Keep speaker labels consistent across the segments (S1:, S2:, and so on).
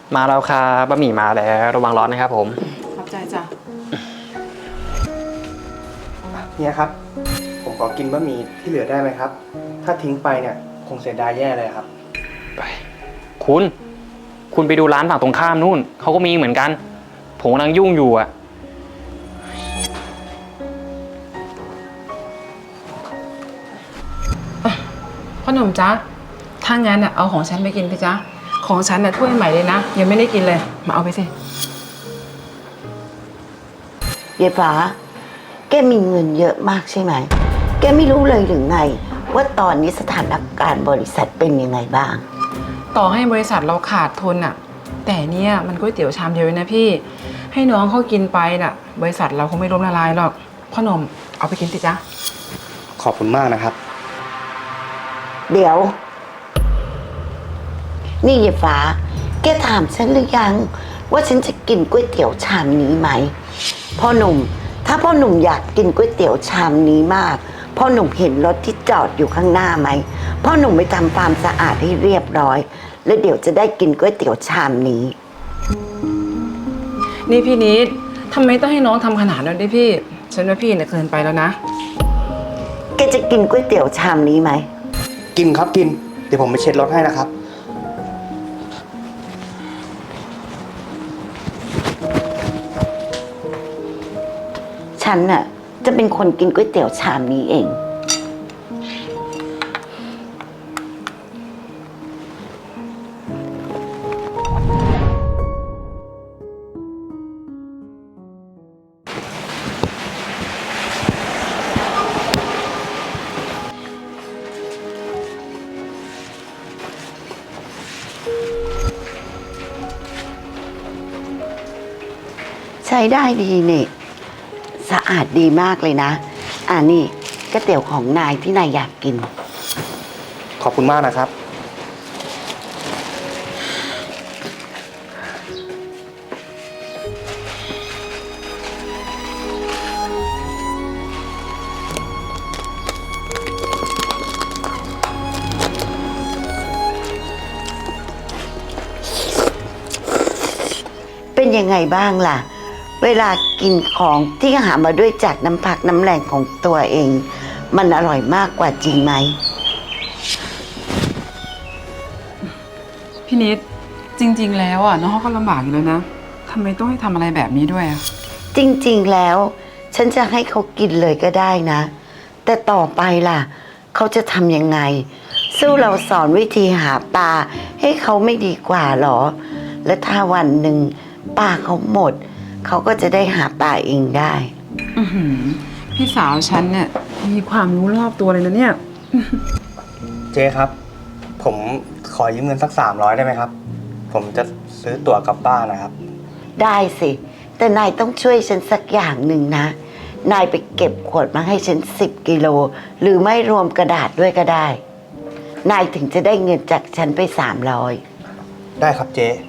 S1: มาแล้วครับบะหมี่มาแล้วระวังร้อนนะครับผม
S2: ขอบใจจ้ะ
S3: เนี่ยครับผมขอกินบะหมี่ที่เหลือได้ไหมครับถ้าทิ้งไปเนี่ยคงเสียดายแย่เลยครับ
S1: ไปคุณไปดูร้านฝั่งตรงข้ามนู่นเขาก็มีเหมือนกันผมกำลังยุ่งอยู่อ่ะ
S2: พ่อหนุ่มจ๊ะถ้างั้นเอาของฉันไปกินไปจ๊ะของฉันถ้วยใหม่เลยนะยังไม่ได้กินเลยมาเอาไปสิ
S4: ยายฟ้าแกมีเงินเยอะมากใช่ไหมแกไม่รู้เลยหรือไงว่าตอนนี้สถานการณ์บริษัทเป็นยังไงบ้าง
S2: ต่อให้บริษัทเราขาดทุนแต่เนี่ยมันก๋วยเตี๋ยวชามเดียวนะพี่ให้น้องเขากินไปบริษัทเราคงไม่ล้มละลายหรอกพ่อหนุ่มเอาไปกินสิจ๊ะ
S3: ขอบคุณมากนะครับ
S4: เดี๋ยวนี่ยายฟ้าแกถามฉันหรือยังว่าฉันจะกินก๋วยเตี๋ยวชามนี้ไหมพ่อหนุ่มถ้าพ่อหนุ่มอยากกินก๋วยเตี๋ยวชามนี้มากพ่อหนุ่มเห็นรถที่จอดอยู่ข้างหน้าไหมพ่อหนุ่มไปทำความสะอาดให้เรียบร้อยแล้วเดี๋ยวจะได้กินก๋วยเตี๋ยวชามนี้
S2: นี่พี่นิดทำไมต้องให้น้องทำขนาดนั้นด้วยพี่ฉันว่าพี่เกินไปแล้วนะ
S4: แกจะกินก๋วยเตี๋ยวชามนี้ไหม
S3: กินครับกินเดี๋ยวผมไปเช็ดรถให้นะครับ
S4: ฉันจะเป็นคนกินก๋วยเตี๋ยวชามนี้เองใช้ได้ดีนี่สะอาดดีมากเลยนะนี่ก๋วยเตี๋ยวของนายที่นายอยากกิน
S3: ขอบคุณมากนะครับ
S4: เป็นยังไงบ้างล่ะเวลากินของที่หามาด้วยจากน้ำพักน้ำแรงของตัวเองมันอร่อยมากกว่าจริงไหม
S2: พี่นิดจริงๆแล้วน้องเขาก็ลำบากอยู่แล้วนะทำไมต้องให้ทำอะไรแบบนี้ด้วย
S4: จริงๆแล้วฉันจะให้เขากินเลยก็ได้นะแต่ต่อไปล่ะเขาจะทำยังไงสู้เราสอนวิธีหาปลาให้เขาไม่ดีกว่าหรอและถ้าวันหนึ่งปลาเขาหมดเขาก็จะได้หาปลาเองได้
S2: พี่สาวฉันเนี่ยมีความรู้รอบตัวเลยนะเนี่ย
S3: เจ๊ครับผมขอยืมเงินสัก300ได้ไหมครับผมจะซื้อตั๋วกลับบ้านนะครับ
S4: ได้สิแต่นายต้องช่วยฉันสักอย่างหนึ่งนะนายไปเก็บขวดมาให้ฉัน10 กิโลหรือไม่รวมกระดาษด้วยก็ได้นายถึงจะได้เงินจากฉันไป300
S3: ได้ครับเจ๊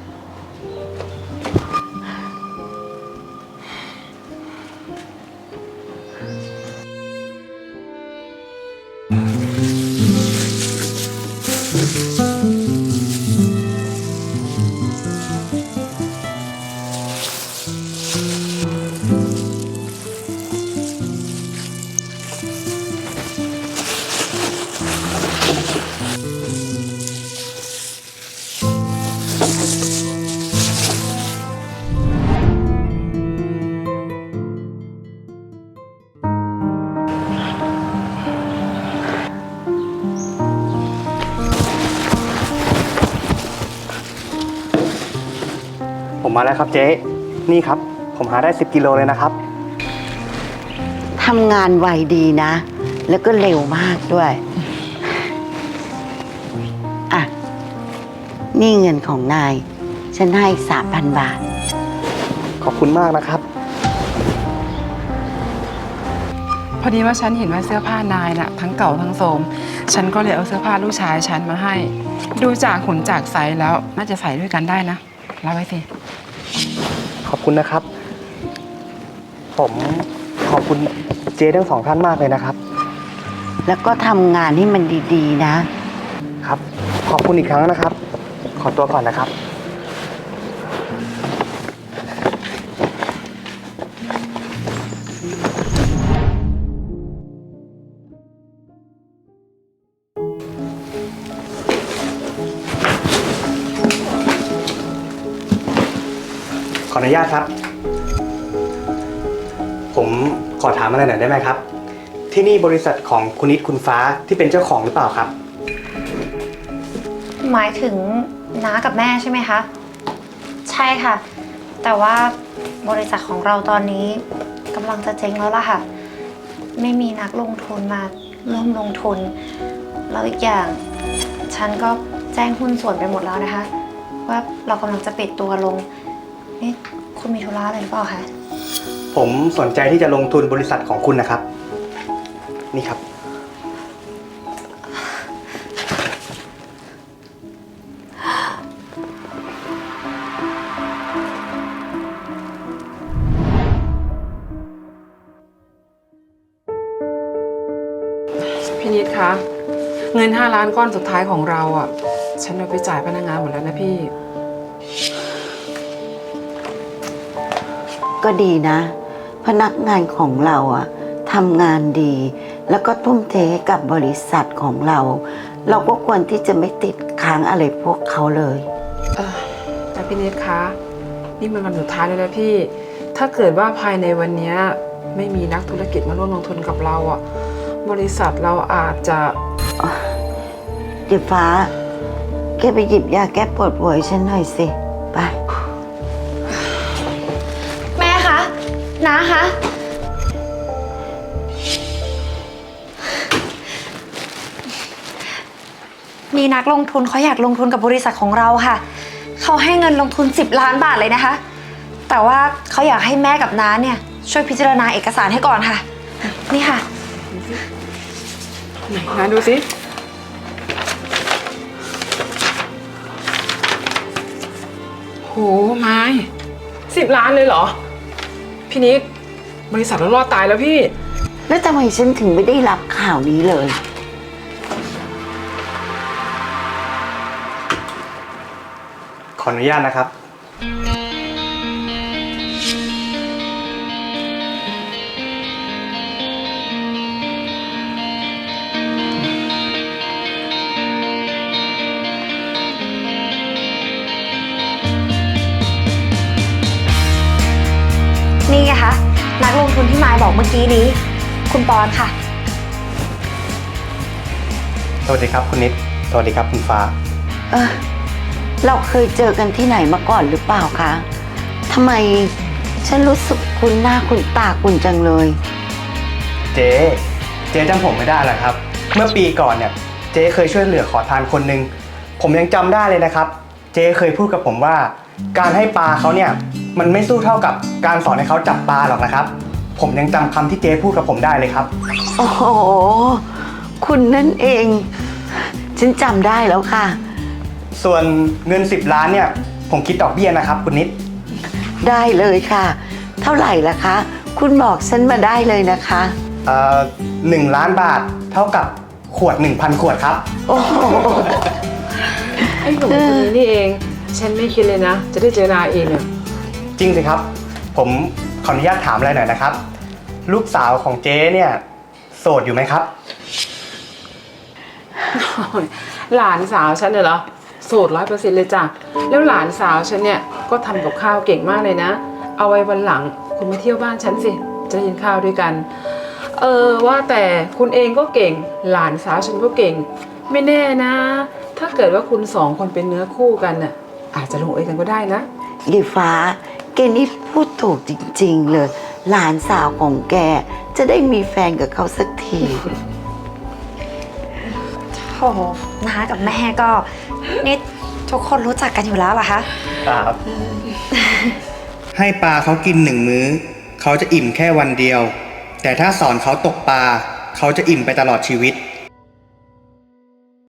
S3: ผมมาแล้วครับเจ๊นี่ครับผมหาได้10 กิโลเลยนะครับ
S4: ทำงานไวดีนะแล้วก็เร็วมากด้วยนี่เงินของนายฉันให้3,000 บาท
S3: ขอบคุณมากนะครับ
S2: พอดีว่าฉันเห็นว่าเสื้อผ้านายทั้งเก่าทั้งโทรมฉันก็เลยเอาเสื้อผ้าลูกชายฉันมาให้ดูจากหุ่นจากไซส์แล้วน่าจะใส่ด้วยกันได้นะรับไว้สิ
S3: ขอบคุณนะครับผมขอบคุณเจ๊ทั้ง2 ท่านมากเลยนะครับ
S4: แล้วก็ทำงานให้มันดีๆนะครับ
S3: ขอบคุณอีกครั้งนะครับขอตัวก่อนนะครับขออนุญาตครับ ผมขอถามอะไรหน่อยได้ไหมครับ ที่นี่บริษัทของคุณนิดคุณฟ้าที่เป็นเจ้าของหรือเปล่าครับ
S5: หมายถึงน้ากับแม่ใช่ไหมคะ ใช่ค่ะ แต่ว่าบริษัทของเราตอนนี้กำลังจะเจ๊งแล้วล่ะค่ะ ไม่มีนักลงทุนมาร่วมลงทุน แล้วอีกอย่างฉันก็แจ้งหุ้นส่วนไปหมดแล้วนะคะ ว่าเรากำลังจะปิดตัวลง นี่คุณมีธุระอะไรหรือเปล่าคะ
S3: ผมสนใจที่จะลงทุนบริษัทของคุณนะครับ นี่ครับ
S2: พี่นิดคะเงิน5 ล้านก้อนสุดท้ายของเราอ่ะ ฉันเอาไปจ่ายพนักงานหมดแล้วนะพี่
S4: ก็ดีนะ พนักงานของเราอะทำงานดี แล้วก็ทุ่มเทให้กับบริษัทของเรา เราก็ควรที่จะไม่ติดค้างอะไรพวกเขาเลย
S2: แต่พี่นิดคะนี่มันวันสุดท้ายแล้วนะพี่ ถ้าเกิดว่าภายในวันนี้ไม่มีนักธุรกิจมาร่วมลงทุนกับเราอ่ะ บริษัทเราอาจจะ
S4: เดี๋ยวฟ้า แกไปหยิบยาแก้ปวดหัวให้ฉันหน่อยสิ ไป
S5: แม่คะน้าคะมีนักลงทุนเขาอยากลงทุนกับบริษัทของเราค่ะ เขาให้เงินลงทุน10 ล้านบาทเลยนะคะ แต่ว่าเขาอยากให้แม่กับน้าเนี่ยช่วยพิจารณาเอกสารให้ก่อนค่ะ นี่ค่ะ
S2: ไหนนะดูสิโหไม้10 ล้านเลยเหรอ พี่นิดบริษัทเรารอดตายแล้วพี่
S4: แล้วทำไมฉันถึงไม่ได้รับข่าวนี้เลย
S3: ขออนุญาตนะครับ
S5: นี่ไงคะนักลงทุนที่มายบอกเมื่อกี้นี้ คุณปอนค่ะ
S3: สวัสดีครับคุณนิด สวัสดีครับคุณฟ้า
S4: เออเราเคยเจอกันที่ไหนมาก่อนหรือเปล่าคะทำไมฉันรู้สึกคุ้นหน้าคุ้นตาคุณจังเลย
S3: เจ๊จำผมไม่ได้เหรอครับ เมื่อปีก่อนเนี่ย เจ๊เคยช่วยเหลือขอทานคนหนึ่งผมยังจำได้เลยนะครับ เจ๊เคยพูดกับผมว่า การให้ปลาเขาเนี่ย มันไม่สู้เท่ากับการสอนให้เขาจับปลาหรอกนะครับ ผมยังจำคำที่เจ๊พูดกับผมได้เลยครับ
S4: โอ้โห คุณนั่นเอง ฉันจำได้แล้วค่ะ
S3: ส่วนเงิน10 ล้านเนี่ย ผมคิดดอกเบี้ยนะครับคุณนิด
S4: ได้เลยค่ะ เท่าไหร่ล่ะคะ คุณบอกฉันมาได้เลยนะคะ
S3: 1 ล้านบาทเท่ากับขวด 1,000 ขวดครับ
S4: โอ้โห
S2: ไอ้หนุ่มคนนี้นี่เอง ฉันไม่คิดเลยนะ จะได้เจอนาเองเนี่ย
S3: จริงสิครับ ผมขออนุญาตถามอะไรหน่อยนะครับ ลูกสาวของเจ๊เนี่ยโสดอยู่ไหมครับ
S2: หลานสาวฉันเนี่ยเหรอโสด100%เลยจ้ะ แล้วหลานสาวฉันเนี่ยก็ทำกับข้าวเก่งมากเลยนะ เอาไว้วันหลังคุณมาเที่ยวบ้านฉันสิ จะกินข้าวด้วยกัน ว่าแต่คุณเองก็เก่ง หลานสาวฉันก็เก่ง ไม่แน่นะ ถ้าเกิดว่าคุณ2 คนเป็นเนื้อคู่กันน่ะ อาจจะลงเอยกันก็ได้นะ
S4: ยีฟ้า แกนี่พูดถูกจริงๆเลย หลานสาวของแกจะได้มีแฟนกับเขาสักที
S5: โอ้โหน้ากับแม่ก็นี่ทุกคนรู้จักกันอยู่แล้วเหรอคะ
S3: ครับ ให้ปลาเขากิน1 มื้อ เขาจะอิ่มแค่วันเดียว แต่ถ้าสอนเขาตกปลา เขาจะอิ่มไปตลอดชีวิต